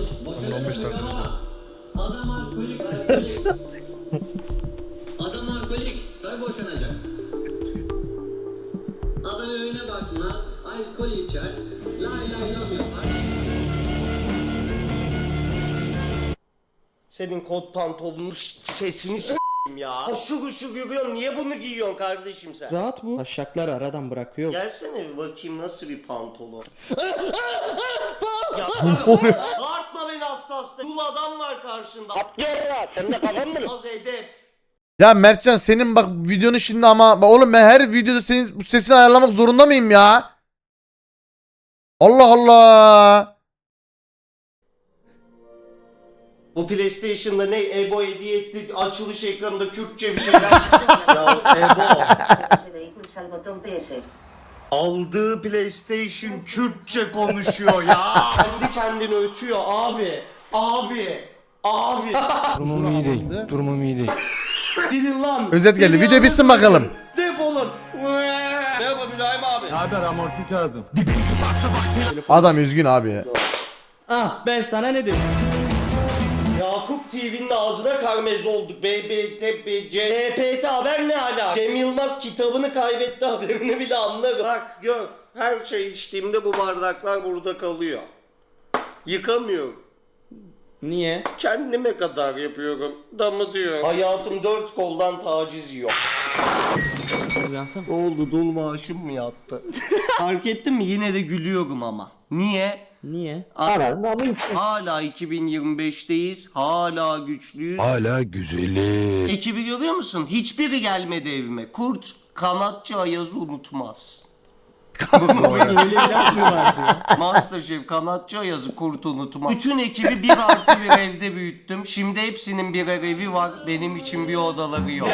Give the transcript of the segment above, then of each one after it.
15 dakika önce. Adam alkolik. Adam alkolik. Tabii boşanacak. Adam önüne bakmaz. Alkol içer. Lay lay lam yapar. Senin kot pantolonun sesini s**eyim ya. Hoşu hoşu görüyorum. Niye bunu giyiyorsun kardeşim sen? Rahat bu. Taşakları aradan bırakıyor. Gelsene bir bakayım nasıl bir pantolon. Ya bağırtma beni hasta. Dul adam var karşında. Sen de kafan mı? Az edep. Ya Mertcan senin bak videonu şimdi ama bak oğlum ben her videoda senin bu sesini ayarlamak zorunda mıyım ya? Allah Allah. Bu PlayStation'da ne Ebo hediye etti açılış ekranında Kürtçe bir şeyler çıktı. Ya Ebo. Aldığı PlayStation Kürtçe konuşuyor ya. Kendi kendini ötüyor abi. Abi. Abi. Durumum iyi değil. Durumum iyi değil. Gidin lan. Özet geldi. Beni Video bitsin anlatın. bakalım. Defolun. Merhaba Mülayim abi. Ne haber amorti kağıdım? Adam üzgün abi ya. Ah ben sana ne dedim? Yakup TV'nin ağzına karmez olduk. CHPT haber ne hala? Cem Yılmaz kitabını kaybetti haberini bile anlarım. Bak gör. Her çay içtiğimde bu bardaklar burada kalıyor. Yıkamıyorum. Niye? Kendime kadar yapıyorum. Damı diyor. Hayatım dört koldan taciz yiyor. Uyansam. Ne oldu dul maaşım mı yattı? Fark ettin mi? Yine de gülüyorum ama. Niye? Niye? Hala 2025'teyiz. Hala güçlüyüz. Hala güzeli. Ekibi görüyor musun? Hiçbiri gelmedi evime. Kurt kanatçı Ayaz'ı unutmaz. Öyle bir laf mı vardı ya? Masterchef kanatçı Ayaz'ı kurt unutmaz. Bütün ekibi 1+1 evde büyüttüm. Şimdi hepsinin birer evi var. Benim için bir odaları yok.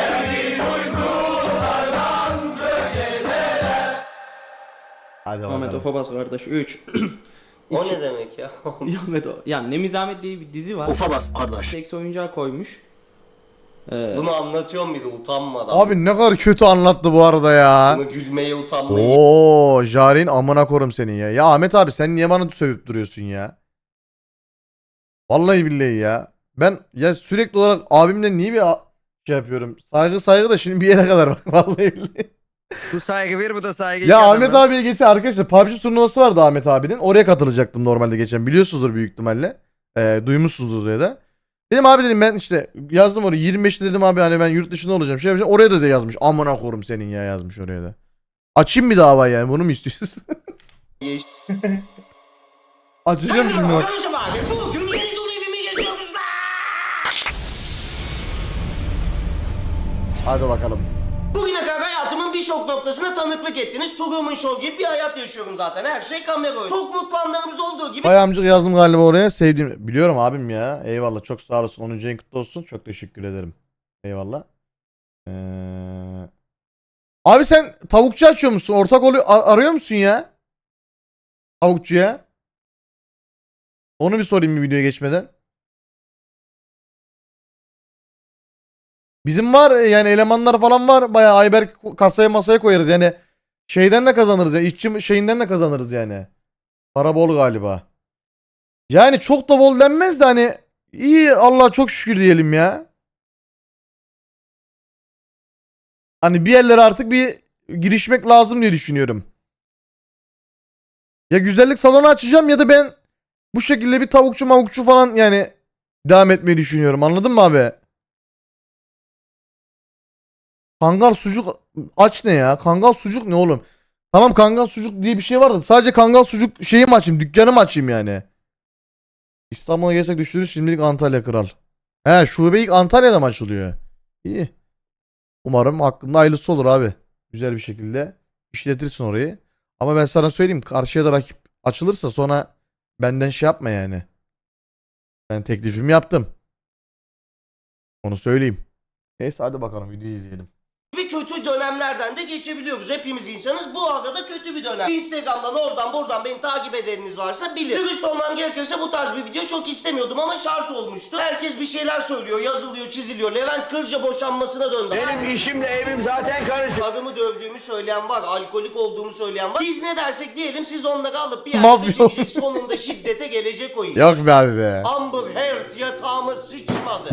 Hadi Ahmet bakalım. Ofabas kardeş 3. O ne demek ya? Ahmet o. Ya Nemizamet diye bir dizi var. Ufabas kardeş. Seks oyuncağı koymuş. Bunu anlatıyorum bir de utanmadan. Abi ne kadar kötü anlattı bu arada ya. Bunu gülmeye utanmayı. Oo, Jarin amına korum senin ya. Ya Ahmet abi sen niye bana sövüp duruyorsun ya? Vallahi billahi ya. Ben ya sürekli olarak abimle niye bir şey yapıyorum? Saygı da şimdi bir yere kadar bak vallahi billahi. Bu saygı bir, bu da saygı Ya Ahmet abiye geçen arkadaşlar PUBG turnuvası vardı Ahmet abinin. Oraya katılacaktım normalde geçen. Biliyorsunuzdur büyük ihtimalle. Duymuşsunuzdur ya da. Dedim abi dedim ben işte yazdım oraya 25'te dedim abi hani ben yurt dışında olacağım. Şey yapacağım. Oraya da yazmış. Amına korum senin ya yazmış oraya da. Açayım bir dava yani bunu mu istiyorsun? Açacağım şimdi bak. Bugün yeni dolu evimi geziyoruz lan. Hadi bakalım. Bugüne kadar hayatımın birçok noktasına tanıklık ettiniz. Truman Show gibi bir hayat yaşıyorum zaten. Her şey kamera oyunu. Çok mutlu anlarımız olduğu gibi. Bay amcık yazdım galiba oraya. Sevdiğim. Biliyorum abim ya. Eyvallah. Çok sağ olasın. 10. ayın kutlu olsun. Çok teşekkür ederim. Eyvallah. Abi sen tavukçu açıyor musun? Ortak oluyor, arıyor musun ya? Tavukçuya. Onu bir sorayım bir videoya geçmeden. Bizim var yani elemanlar falan var. Bayağı Ayberk kasaya masaya koyarız yani. Şeyden de kazanırız yani. İşçi şeyinden de kazanırız yani. Para bol galiba. Yani çok da bol denmez de hani iyi Allah'a çok şükür diyelim ya. Hani bir yerlere artık bir girişmek lazım diye düşünüyorum. Ya güzellik salonu açacağım ya da ben bu şekilde bir tavukçu mavukçu falan yani devam etmeyi düşünüyorum. Anladın mı abi? Kangal sucuk aç ne ya? Kangal sucuk ne oğlum? Tamam kangal sucuk diye bir şey var da sadece kangal sucuk şeyi mi açayım? Dükkanı mı açayım yani? İstanbul'a gelsek düşürürüz şimdilik Antalya kral. He şube ilk Antalya'da mı açılıyor? İyi. Umarım hakkında hayırlısı olur abi. Güzel bir şekilde işletirsin orayı. Ama ben sana söyleyeyim karşıya da rakip açılırsa sonra benden şey yapma yani. Ben teklifimi yaptım. Onu söyleyeyim. Neyse hadi bakalım videoyu izleyelim. gibi kötü dönemlerden de geçebiliyoruz. Hepimiz insanız. Bu arada kötü bir dönem. Instagram'dan oradan buradan beni takip edeniniz varsa bilir. Dürüst olmam gerekirse bu tarz bir video çok istemiyordum ama şart olmuştu. Herkes bir şeyler söylüyor, yazılıyor, çiziliyor. Levent Kırca boşanmasına döndü. Benim işimle evim zaten karışık. Karımı dövdüğümü söyleyen var, alkolik olduğumu söyleyen var. Biz ne dersek diyelim siz onları alıp bir Mafya. yerde çekecek. Sonunda şiddete gelecek o iş. Yok be abi be. Amber Heard yatağıma sıçmadı.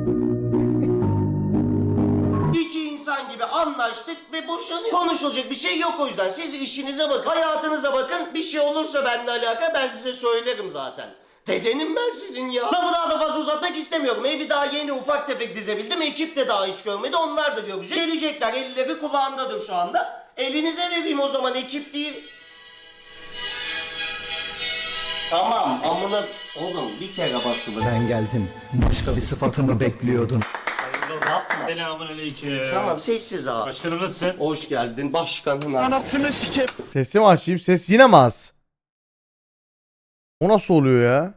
İki insan gibi anlaştık ve boşanıyor. Konuşulacak bir şey yok o yüzden. Siz işinize bakın, hayatınıza bakın. Bir şey olursa benimle alakalı ben size söylerim zaten. Dedenim ben sizin ya. Lafı daha da fazla uzatmak istemiyorum. Evi daha yeni ufak tefek dizebildim. Ekip de daha hiç görmedi. Onlar da görecek. Gelecekler. Elleri kulağındadır şu anda. Elinize vereyim o zaman ekip değil. Tamam amına oğlum bir kere basılır. Ben geldim. Başka bir sıfatımı bekliyordun. Yapma. Selamünaleyküm. Tamam sessiz abi. Başkanım nasılsın? Hoş geldin başkanım. Anasını sikeyim. Sesi mi açayım? Ses yine mi az? O nasıl oluyor ya?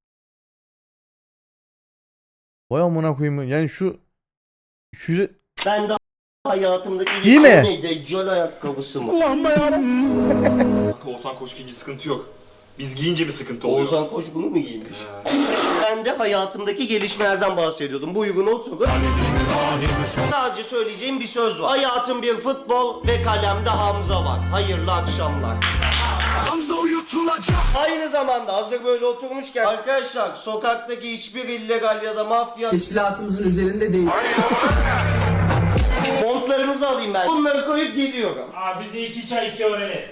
Vay amına koyayım. Yani şu Ben de hayatımdaki İyi mi? Deccal ayakkabısı mı? Oğuzhan Koç giyince sıkıntı yok. Biz giyince bir sıkıntı oluyor. Oğuzhan Koç bunu mu giymiş? Ben de hayatımdaki gelişmelerden bahsediyordum. Bu uygun oturun. Sadece söyleyeceğim bir söz var. Hayatım bir futbol ve kalemde Hamza var. Hayırlı akşamlar. Hamza uyutulacak. Aynı zamanda hazır böyle oturmuşken arkadaşlar sokaktaki hiçbir illegal ya da mafya Teşkilatımızın üzerinde değil. montlarınızı alayım ben. Bunları koyup geliyorum. Abi bize 2 çay 2 öğrenet.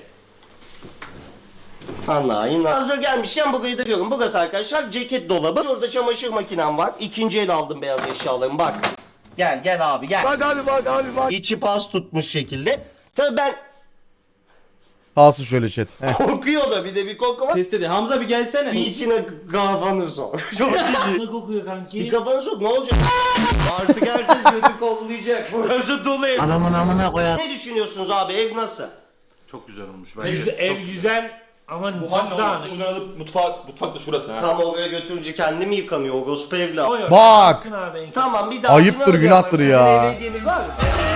Anlayın. Hazır gelmişken burayı da görün. Burası arkadaşlar ceket dolabı. Şurada çamaşır makinem var. İkinci el aldım beyaz eşyalarımı bak. Gel abi gel. Bak abi bak abi bak. İçi pas tutmuş şekilde. Tabii ben kalsın şöyle chat. Heh. kokuyor da bir de bir koku var. Test dedi. Hamza bir gelsene. Bir içine kafanı sok. Çok iyi. Ne kokuyor kanki? Bir kafanı sok ne olacak? Artık herkes götü kollayacak. Burası dolu ev. Anamın amına koyar. Ne düşünüyorsunuz abi ev nasıl? Çok güzel olmuş Ev güzel ama mutfak dağınık. Bunları alıp mutfak da şurası ha. Tam oraya götürünce kendi mi yıkanıyor o gospu evla? Oy, oy, Bak! yapsın abi en kötü. Tamam bir daha. Ayıptır, günahtır ya. Sizin hediyeniz var mı?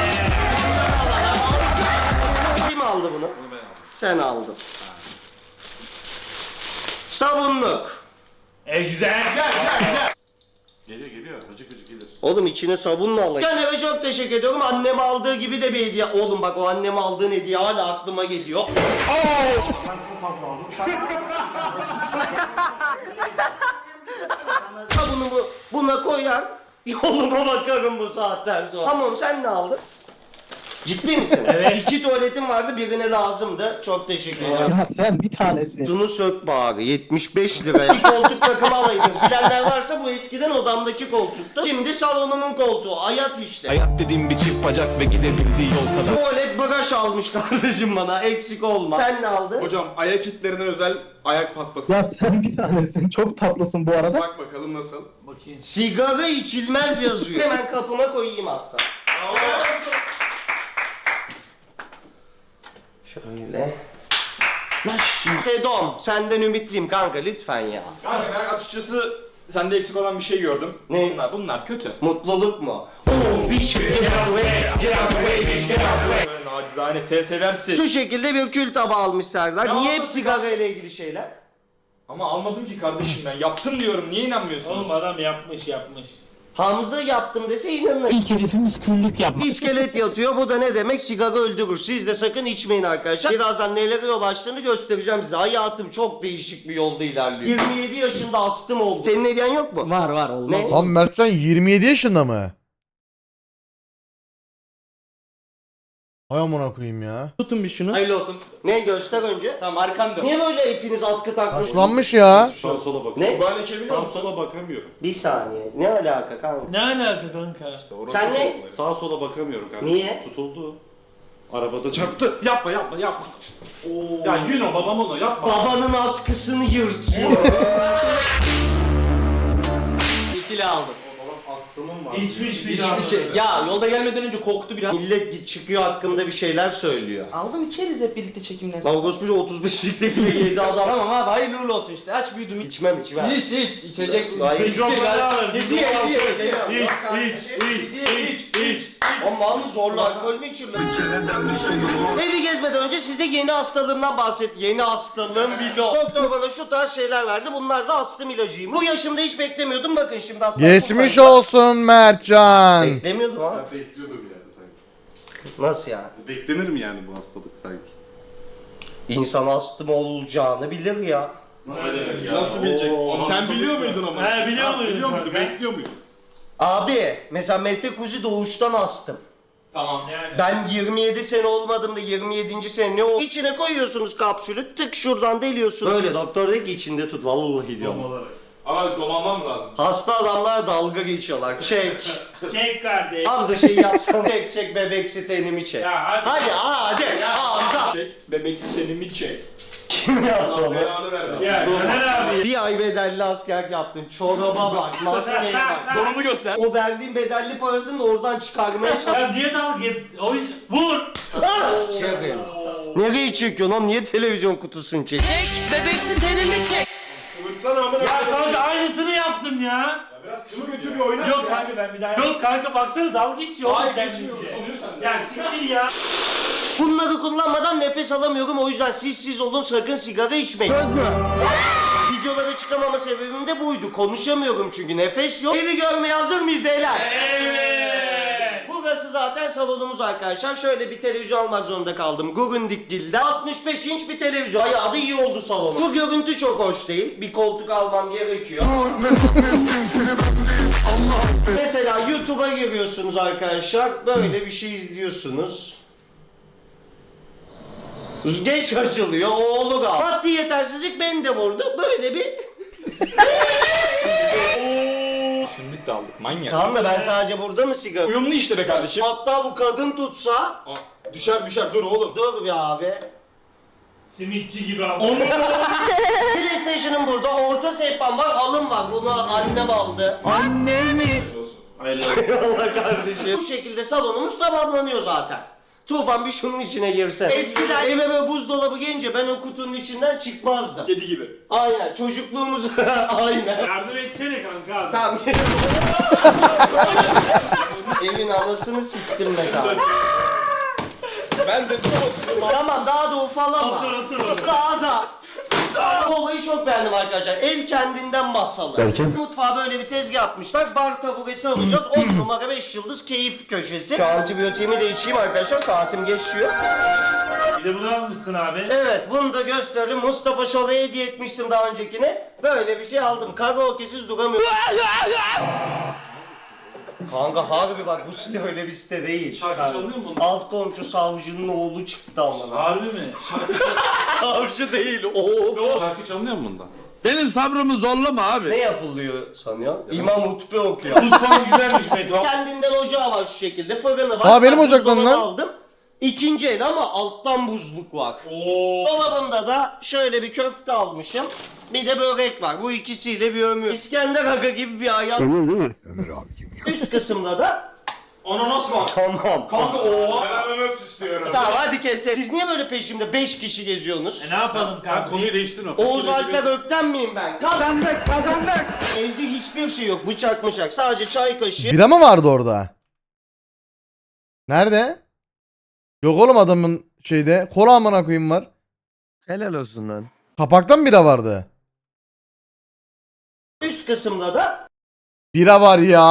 Kim aldı bunu? Sen aldın. Sabunluk. Ev güzel. Geliyor gıcık gıcık gelir. Oğlum içine sabunla alayım. Anneme çok teşekkür ediyorum. Annem aldığı gibi de bir hediye. Oğlum bak o anneme aldığın hediye hala aklıma geliyor. Sabunumu buna koyar. Yoluma bakarım bu saatten sonra. Tamam sen ne aldın? Ciddi misin? Evet. 2 tuvaletim vardı birine lazımdı. Çok teşekkür ederim. Ya sen bir tanesin. Şunu sök bari 75 liraya. Bir koltuk takımı alaydınız. Bilenler varsa bu eskiden odamdaki koltuktu. Şimdi salonumun koltuğu. Hayat işte. Hayat dediğim bir çift bacak ve gidebildiği yol kadar. Tuvalet bagaj almış kardeşim bana. Eksik olma. Sen ne aldın? Hocam ayak kitlerine özel ayak paspası. Ya sen bir tanesin. Çok tatlısın bu arada. Bak bakalım nasıl. Bakayım. Sigara içilmez yazıyor. Hemen kapıma koyayım hatta. Şöyle. Sedom, senden ümitliyim kanka lütfen ya. Kanka ben açıkçası sende eksik olan bir şey gördüm. Ne? Bunlar kötü. Mutluluk mu? Böyle nacizane seversin. Şu şekilde bir kül tabağı almış Serdar. Ya Niye hep nasıl sigara ile ilgili şeyler? Ama almadım ki kardeşim ben. Yaptım diyorum. Niye inanmıyorsunuz? Oğlum adam yapmış. Hamza yaptım dese inanır. İlk hedefimiz küllük yapmak. İskelet yatıyor. Bu da ne demek? Sigara öldürür. Siz de sakın içmeyin arkadaşlar. Birazdan nelere yol açtığını göstereceğim size. Hayatım çok değişik bir yolda ilerliyor. 27 yaşında astım oldu. Senin hediyen yok mu? Var olmaz. Ne? Lan Mertcan 27 yaşında mı? Hay amına koyayım ya. Tutun bir şunu. Hayırlı olsun. Ne göster önce. Tamam arkanda. Niye böyle hepiniz atkı takmışsınız? Yaşlanmış ya. Sağ sola bak. Ne? Böyle çeviriyor musun? sola bakamıyorum. Bir saniye. Ne alaka kanka? Ne alaka kanka? Sen ne? Sağa sola bakamıyorum kanka. Niye? Tutuldu. Arabada çarptı. Yapma. Ya Yuno babam onu yapma. Babanın atkısını yırtıyor. İkili aldım. Astımım var. İçmiş bir Hiçbir şey. Ya yolda gelmeden önce koktu biraz. Millet çıkıyor hakkımda bir şeyler söylüyor. Aldım içeriz hep birlikte çekimden. Lan Gospucu 35'likte bile yedi adam. Tamam abi hayırlı uğurlu olsun işte. Aç büyüdüm. İçmem içmem. İç içecek. Hayır. Hediye, hediye. İç. Ama mal zorla alkol mü içilir? Evi gezmeden önce size yeni hastalığımdan Yeni hastalığım vlog. Doktor bana şu tarz şeyler verdi. Bunlar da astım ilacıyım. Bu yaşımda hiç beklemiyordum. Bakın şimdi hatta Geçmiş olsun Mertcan. Beklemiyordum ha. Ben bekliyordum yani sanki. Nasıl yani? Beklenir mi yani bu hastalık sanki? İnsan astım olacağını bilir ya. Nasıl bilecek? Sen biliyor muydun ama? He, biliyor muydun Biliyor muydun? kanka? Bekliyor muydun? Abi mesela Mete Kuzi doğuştan astım. Tamam. Yani. Ben 27 sene olmadığımda 27. sene ne oldu? İçine koyuyorsunuz kapsülü, tık şuradan deliyorsun. Böyle doktor dedi ki içinde tut, vallahi diyorum. Ama dolanmam lazım. Hasta adamlar dalga geçiyorlar. Çek. Çek kardeş. Hamza şey yapsana. Çek bebek sitenimi çek. Ya hadi. Hadi Hamza. Çek, bebek sitenimi çek. Kim yaptı onu? Belanı vermesin. Ya Caner abi. Bir ay bedelli askerlik yaptın. Çoraba bak, maskeye bak. Donumu göster. O verdiğin bedelli parasını da oradan çıkarmaya çalış. Ya niye dalga et? O iş... Vur. Çekin. Nereye çekiyorsun oğlum? Niye televizyon kutusunu çek? Ya kanka aynısını yaptım ya. Şunu götür bir oyna. Yok kanka ben bir daha Yok kanka baksana dalga geçiyor. Hayır, oğlum geçmiyor. kendince. Sonuyor sende. Ya siktir ya. Bunları kullanmadan nefes alamıyorum, o yüzden siz olun, sakın sigara içmeyin. Söz mü? Videolara çıkamama sebebim de buydu. Konuşamıyorum çünkü nefes yok. Evi görmeye hazır mıyız beyler? Evet. Burası zaten salonumuz arkadaşlar. Şöyle bir televizyon almak zorunda kaldım. Gugundikgil'den 65 inç bir televizyon. Bayağı da iyi oldu salonum. Bu görüntü çok hoş değil. Bir koltuk almam gerekiyor. Mesela YouTube'a giriyorsunuz arkadaşlar. Böyle bir şey izliyorsunuz. Geç açılıyor, oğlu gal. Maddi yetersizlik beni de vurdu. Böyle bir... Düşündük de aldık manyak. Tamam da ben sadece burada mı sigara? Uyumlu işte be kardeşim. Hatta bu kadın tutsa... Aa, düşer dur oğlum. Dur bir abi. Simitçi gibi ama. PlayStation'ın burada, orta sehpan var, halım var. Bunu annem aldı. Annem mi? Allah kardeşim. Bu şekilde salonumuz tamamlanıyor zaten. Tufan bir şunun içine girse. Eskiden eve böyle buzdolabı gelince ben o kutunun içinden çıkmazdım. Kedi gibi. Aynen, çocukluğumuz aynen. Yardım etsene kanka abi. Tamam. Evin anasını siktim mesela. Ben de Tamam, daha da ufalama. Otur. Daha da. Bu olayı çok beğendim arkadaşlar. Ev kendinden masalı. Mutfağa böyle bir tezgah yapmışlar. Bar taburesi alacağız. 10 numara 5 yıldız keyif köşesi. Şu antibiyotiğimi de içeyim arkadaşlar. Saatim geçiyor. Bir de bunu almışsın abi. Evet, bunu da gösterelim. Mustafa Şov'a hediye etmiştim daha öncekine. Böyle bir şey aldım. Karaoke'siz duramıyorum. Kanka harbi bak, bu site öyle bir site değil. şarkı çalınıyor mu bunun? Alt komşu savcının oğlu çıktı amına. Harbi mi? Savcı değil, oğlu. Şarkı çalınıyor mu bundan? Benim sabrımı zorlama abi. Ne yapılıyor sanıyor? İmam hutbe okuyor. Mutfağın güzelmiş Meto. Kendinden ocağı var şu şekilde, fırını var. Aa, benim Ben ocaktan buzdolabı lan. aldım. İkinci el ama alttan buzluk var. Oo. Dolabımda da şöyle bir köfte almışım. Bir de börek var. Bu ikisiyle bir ömür. İskender Aga gibi bir hayat. Ömür değil mi? Ömür abi gibi. Üst kısımda da Ananas var. tamam. Kanka oha. Ben ananas istiyorum. Tamam hadi keselim. Siz niye böyle peşimde 5 kişi geziyorsunuz? Ne yapalım Sen kanka? konuyu değiştirme. Oğuz Alper Ökten miyim ben? Kazandık. Evde hiçbir şey yok. Bıçak bıçak. Sadece çay kaşığı. Bira mı vardı orada? Nerede? Yok oğlum adamın şeyde. Kola amına koyayım var. Helal olsun lan. Kapaktan bira vardı. Üst kısımda da Bira var ya.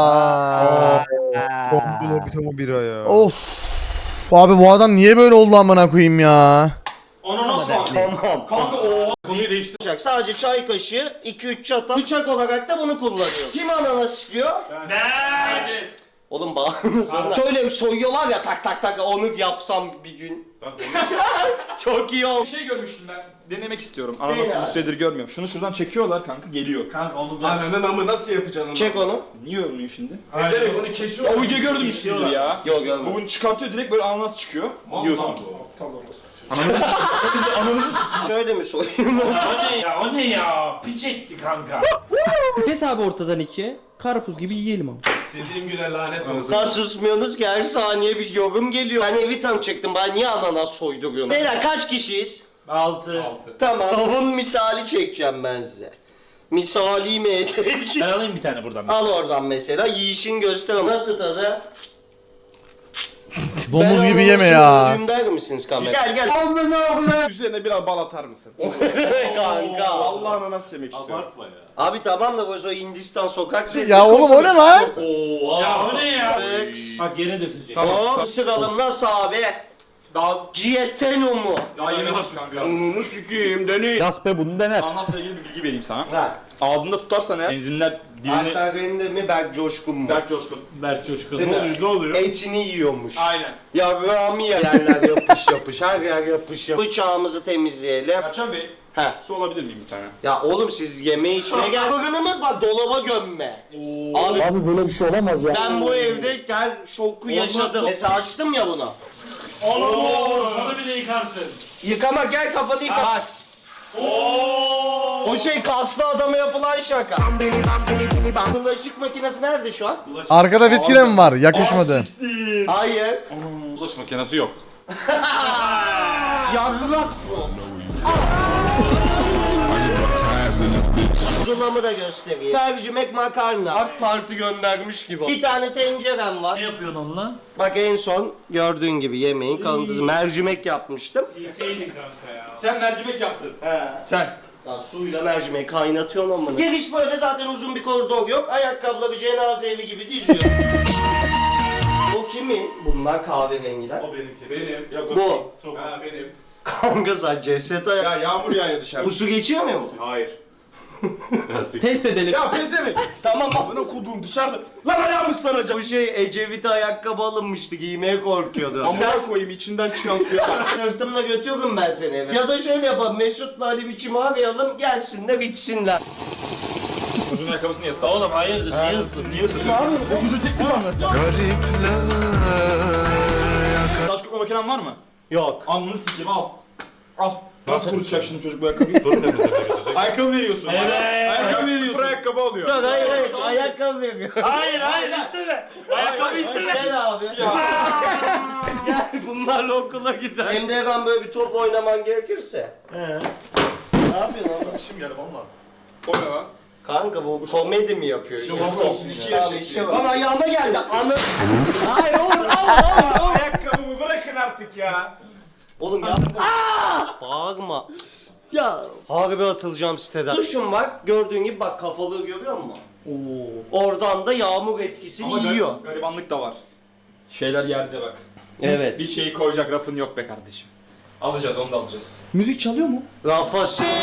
Bir bira ya. Of. Abi bu adam niye böyle oldu amına koyayım ya? Ananas var. tamam. Kanka oha. Konuyu değiştir. Bıçak. Sadece çay kaşığı, 2-3 çatal. Bıçak olarak da bunu kullanıyorum. Kim ananas istiyor? Ben. Herkes. Oğlum bağırmasana. Şöyle bir soyuyorlar ya, tak tak tak, onu yapsam bir gün. Çok iyi Bir olmuş. şey görmüştüm ben. Denemek istiyorum. Ne ya? Ananası bir süredir görmüyorum. Şunu şuradan çekiyorlar kanka geliyor. Kanka onu biraz... Ananın amı nasıl yapacaksın onu? Çek onu. Niye olmuyor şimdi? Ezerek onu kesiyor. Ya o videoyu gördüm üstünde ya. Yok görmedim. Bunu çıkartıyor direkt böyle ananas çıkıyor. Yiyorsun. Şöyle mi soyayım? O ne ya? O ne ya? Piç etti kanka. Kes abi ortadan ikiye. Karpuz gibi yiyelim ama. İstediğim güne lanet olsun. Nasıl susmuyorsunuz ki, her saniye bir yorum geliyor. Ben evi tanıyacaktım, bana niye ananas soyduruyorsun? Beyler kaç kişiyiz? 6. Tamam. Tavuğun misali çekeceğim ben size. Misali mi edecek? Ben alayım bir tane buradan. Al oradan mesela, yiyişin göster ama. Nasıl tadı? Domuz gibi yeme ya. Der misiniz kamera? Gel gel. Üzerine biraz bal atar mısın? Kanka. Vallahi ananas yemek istiyorum. Abartma ya. Abi tamam da bu o Hindistan sokak lezzeti. Ya oğlum o ne lan? Ya o ne ya? Flex. Bak yere dökülecek. Hop sıralım nasıl abi? Daha Cieteno mu? ya yemek kanka. Ununu sikiyim dönüyor. Yas be bunu dener. Anasla ilgili bir bilgi vereyim sana. Ver. Ağzında tutarsan eğer benzinler dilini... Alper Rende mi Berk Coşkun mu? Berk Coşkun. Berk Coşkun. Değil Ne mi? oluyor? Ne oluyor? Etini yiyormuş. Aynen. Ya Rami yerler yapış yapış, her yer yapış yapış. Bıçağımızı temizleyelim. Erçan Bey, He. su alabilir miyim bir tane? Ya oğlum siz yemeğe içmeye gel. Fırınımız var dolaba gömme. Abi Abi böyle bir şey olamaz ya. ben bu evde her şoku yaşadım. Mesela açtım ya bunu. Oo, bunu bile yıkarsın. Yıkama gel kafanı yıka. Bak. O şey kaslı adama yapılan şaka. Bulaşık makinesi nerede şu an? Arkada viski de mi var? Yakışmadı. Hayır. Bulaşık makinesi yok. Yargılaks mı? Zula'mı da göstereyim. Mercimek makarna. AK Parti göndermiş gibi. Bir tane tencerem Ne var. yapıyorsun onunla? Bak en son gördüğün gibi yemeğin kalıntısı. Mercimek yapmıştım. Silseydin kanka ya. Sen mercimek yaptın. He. Sen. Ya suyla mercimeği kaynatıyorsun ama. Giriş böyle zaten uzun bir koridor yok. Ayakkabıları cenaze evi gibi diziyor. Bu kimin? Bunlar kahverengiler. O benimki. Benim. Ya, Bu. Ha benim. Kanka sen ceset Ya yağmur yağıyor dışarıda. Bu su geçiyor mu? Hayır. Test edelim. Ya pezevenk. Tamam. Amına kodum dışarıda. Lan ayağım ıslanacak. Bu şey Ecevit'e ayakkabı alınmıştı giymeye korkuyordu. Amına koyayım içinden çıkan suya bak. Sırtımla götürürüm ben seni eve. Ya da şöyle yapalım Mesut'la Ali biçimi arayalım gelsinler içsinler. Uzun ayakkabısını niye ısladın? Oğlum hayırdır? Niye ısın? Niye ısın? Taş kurutma makinen var mı? Yok. Alnını sikeyim al. Al. Nasıl kurutacak şimdi çocuk bu ayakkabıyı? Ayakkabı veriyorsun. Evet. Ayakkabı veriyorsun. Sıfır ayakkabı alıyor. Yok hayır ayakkabı veriyor. Hayır hayır isteme. Ayakkabı isteme. Gel abi. Gel bunlarla okula gider. Hem de ben böyle bir top oynaman gerekirse. Ne yapıyorsun oğlum? İşim geldi valla. O ne lan? Kanka bu komedi mi yapıyor? Yok, yok, 32 yaşındayım. Lan ayağıma geldi. Anı. Hayır oğlum oğlum. Ayakkabımı bırakın artık ya. Oğlum yapma. Bağırma. Ya harbi atılacağım siteden. Duşum var. Gördüğün gibi bak kafalığı görüyor musun? Oradan da yağmur etkisini yiyor. Garibanlık da var. Şeyler yerde bak. Evet. Bir şeyi koyacak rafın yok be kardeşim. Alacağız onu da alacağız. Müzik çalıyor mu? Rafa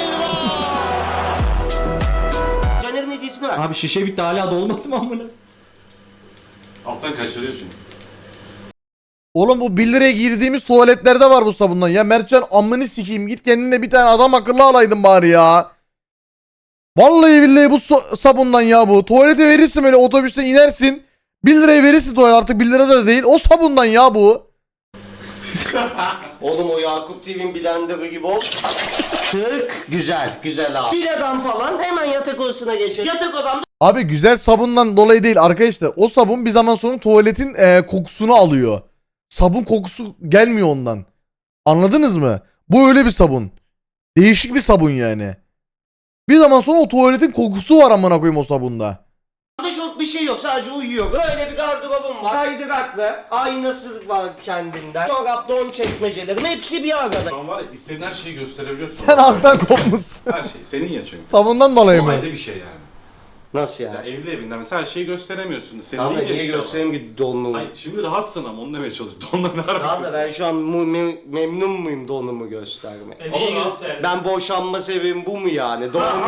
Caner'in hediyesini ver. Abi şişe bitti hala dolmadı mı amına? Alttan kaçırıyor çünkü. Oğlum bu 1 liraya girdiğimiz tuvaletlerde var bu sabundan. Ya Mertcan amını sikeyim git kendine bir tane adam akıllı alaydın bari ya. Vallahi billahi bu sabundan ya bu. Tuvalete verirsin böyle otobüsten inersin. 1 liraya verirsin tuvalet artık 1 lira da değil. O sabundan ya bu. Oğlum o Yakup TV'nin blenderı gibi ol. Tık. Güzel. Güzel abi. Biradan falan hemen yatak odasına geçelim. Yatak odamda Abi güzel sabundan dolayı değil arkadaşlar. O sabun bir zaman sonra tuvaletin kokusunu alıyor. Sabun kokusu gelmiyor ondan. Anladınız mı? Bu öyle bir sabun. Değişik bir sabun yani. Bir zaman sonra o tuvaletin kokusu var amına koyayım o sabunda. çok bir şey yok. Sadece uyuyor. Böyle bir gardırobum var. Kaydıraklı. Aynası var kendinden. Çorap, don çekmecelerim. Hepsi bir arada. Şu an var ya istediğin her şeyi gösterebiliyorsun. Sen alttan kopmuşsun. Her şey senin ya çünkü. Sabundan dolayı O mı? ayrı bir şey yani. Nasıl Ya yani? evli evinden mesela her şeyi gösteremiyorsun. Senin Tamam da değil ya niye işte o. göstereyim ki donumu? Hayır şimdi rahatsın ama onu demeye çalışıyorum. Donla ne Tamam da ben şu an memnun muyum donumu göstermeye? Niye gösterdin? Ben boşanma sebebim bu mu yani? Donumu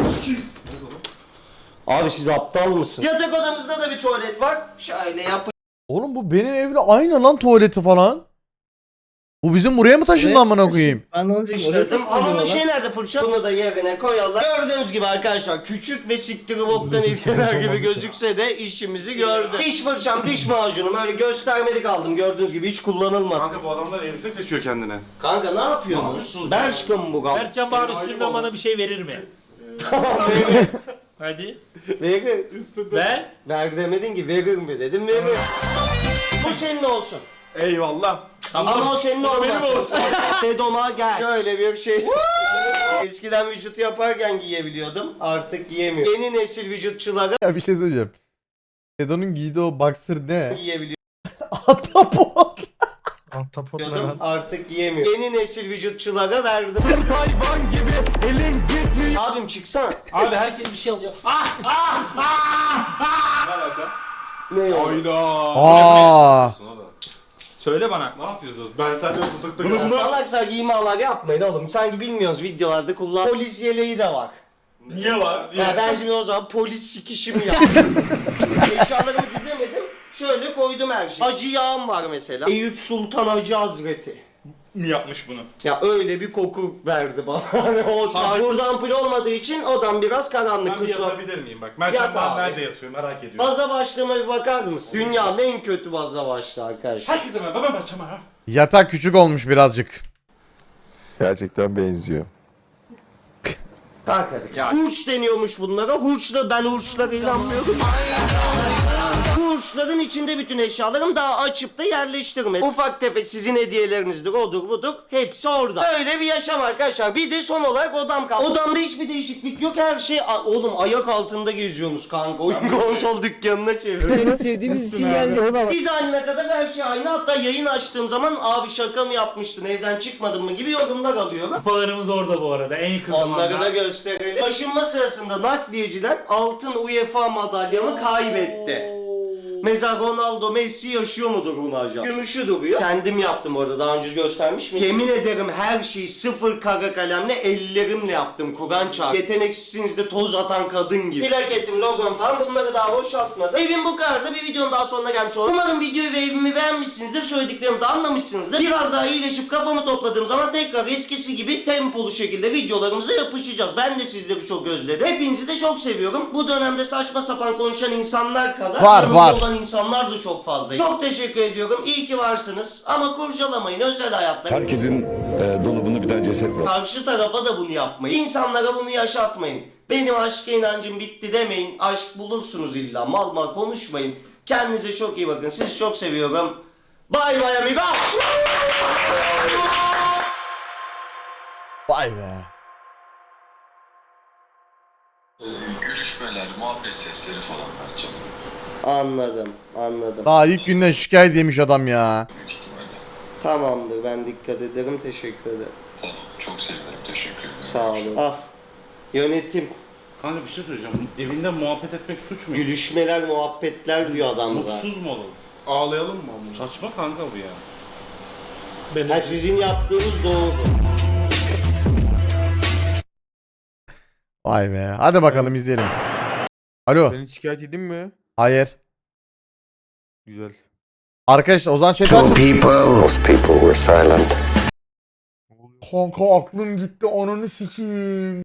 Abi siz aptal mısın? Yatak odamızda da bir tuvalet var. Şöyle yap. Oğlum bu benim evle aynı lan tuvaleti falan. Bu bizim buraya mı taşındı amına koyayım? Ben de İşledim. Ama bir şey nerede fırça? Bunu da yerine koyalım. Gördüğünüz gibi arkadaşlar küçük ve siktiri boktan ilkeler gibi gözükse de işimizi gördü. Diş fırçam, diş macunum öyle göstermelik aldım gördüğünüz gibi hiç kullanılmadı. Kanka bu adamlar elbise seçiyor kendine. Kanka ne yapıyorsunuz? Ben aşkım bu gal. Mertcan bari üstünden bana bir şey verir mi? Hadi. Verir. Ver. Ver demedin ki verir mi dedim verir. Bu senin olsun. Eyvallah. Ama o senin olmasın. benim olsun. Sedon'a gel. Şöyle bir şey. Eskiden vücut yaparken giyebiliyordum. Artık giyemiyorum. Yeni nesil vücutçulara Ya bir şey söyleyeceğim. Sedo'nun giydiği o boxer ne? giyebiliyor. Ahtapot. Ahtapot ne Diyordum, lan? artık yiyemiyorum. Yeni nesil vücutçulara verdim. Abim çıksana. Abi herkes bir şey alıyor. Ne alaka? Ne oldu? Hayda. Aa. Söyle bana. Ne yapıyorsunuz? Ben senden tutuklu Bunu- Ya salaksak imalar yapmayın oğlum. Sanki bilmiyoruz videolarda kullan. Polis yeleği de var. Niye var? Ya ben şimdi o zaman polis sikişimi yaptım. Eşyalarımı dizemedim. Şöyle koydum her şeyi. Acı yağım var mesela. Eyüp Sultan Hacı Hazreti. Mi yapmış bunu? Ya öyle bir koku verdi bana. Hani o burada ampul olmadığı için odam biraz karanlık. Ben bir Kusura. yatabilir miyim? Bak Mertcan Yat ben abi. nerede yatıyor merak ediyorum. Baza başlığıma bir bakar mısın? Dünyanın en kötü baza başlığı arkadaşlar. Herkese merhaba ben Mertcan ha. Yatak küçük olmuş birazcık. Gerçekten benziyor. Kalk hadi. Hurç deniyormuş bunlara. Hurçla ben hurçlara inanmıyorum. Hurçların içinde bütün eşyalarım daha açıp da yerleştirmedim. Ufak tefek sizin hediyelerinizdir, odur budur. Hepsi orada. Öyle bir yaşam arkadaşlar. Bir de son olarak odam kaldı. Odamda hiçbir değişiklik yok. Her şey oğlum ayak altında geziyorsunuz kanka. Oyun konsol dükkanına çeviriyoruz. sevdiğimiz için geldi eyvallah. Dizaynına kadar her şey aynı. Hatta yayın açtığım zaman abi şaka mı yapmıştın, evden çıkmadın mı gibi yorumlar alıyorum. Kupalarımız orada bu arada. En yakın Onları da zamanda. gösterelim. Taşınma sırasında nakliyeciler altın UEFA madalyamı kaybetti. Mesela Ronaldo, Messi yaşıyor mudur bunu acaba? Gümüşü duruyor. Kendim yaptım orada, daha önce göstermiş miyim? Yemin ederim her şeyi sıfır kara kalemle ellerimle yaptım. Kur'an çarp. Yeteneksizsiniz de toz atan kadın gibi. Plaketim, logom falan bunları daha boşaltmadım. Evim bu kadardı. Bir videonun daha sonuna gelmiş oldum. Umarım videoyu ve evimi beğenmişsinizdir. Söylediklerimi de anlamışsınızdır. Biraz daha iyileşip kafamı topladığım zaman tekrar eskisi gibi tempolu şekilde videolarımıza yapışacağız. Ben de sizleri çok özledim. Hepinizi de çok seviyorum. Bu dönemde saçma sapan konuşan insanlar kadar yanımda Var. olan insanlar da çok fazla. Çok teşekkür ediyorum. İyi ki varsınız. Ama kurcalamayın özel hayatta. Herkesin dolabında bir tane ceset var. Karşı tarafa da bunu yapmayın. İnsanlara bunu yaşatmayın. Benim aşka inancım bitti demeyin. Aşk bulursunuz illa. Mal mal konuşmayın. Kendinize çok iyi bakın. Sizi çok seviyorum. Bay bay amigos. Vay be. Görüşmeler, muhabbet sesleri falan Mertcan. Anladım. Daha ilk günden şikayet yemiş adam ya. Büyük ihtimalle. Tamamdır. Ben dikkat ederim. Teşekkür ederim. Tamam, çok sevinirim. Teşekkür ederim. Sağ olun. Al. Yönetim. Kanka bir şey söyleyeceğim. Evinde muhabbet etmek suç mu? Gülüşmeler, muhabbetler diyor adam zaten. Mutsuz mu olalım? Ağlayalım mı oğlum? Saçma kanka bu ya. Ha, sizin yaptığınız doğru. Vay be. Hadi bakalım izleyelim. Alo. Seni şikayet edeyim mi? Hayır. Güzel. Arkadaşlar Ozan Çetin. Kanka aklım gitti. Ananı sikeyim.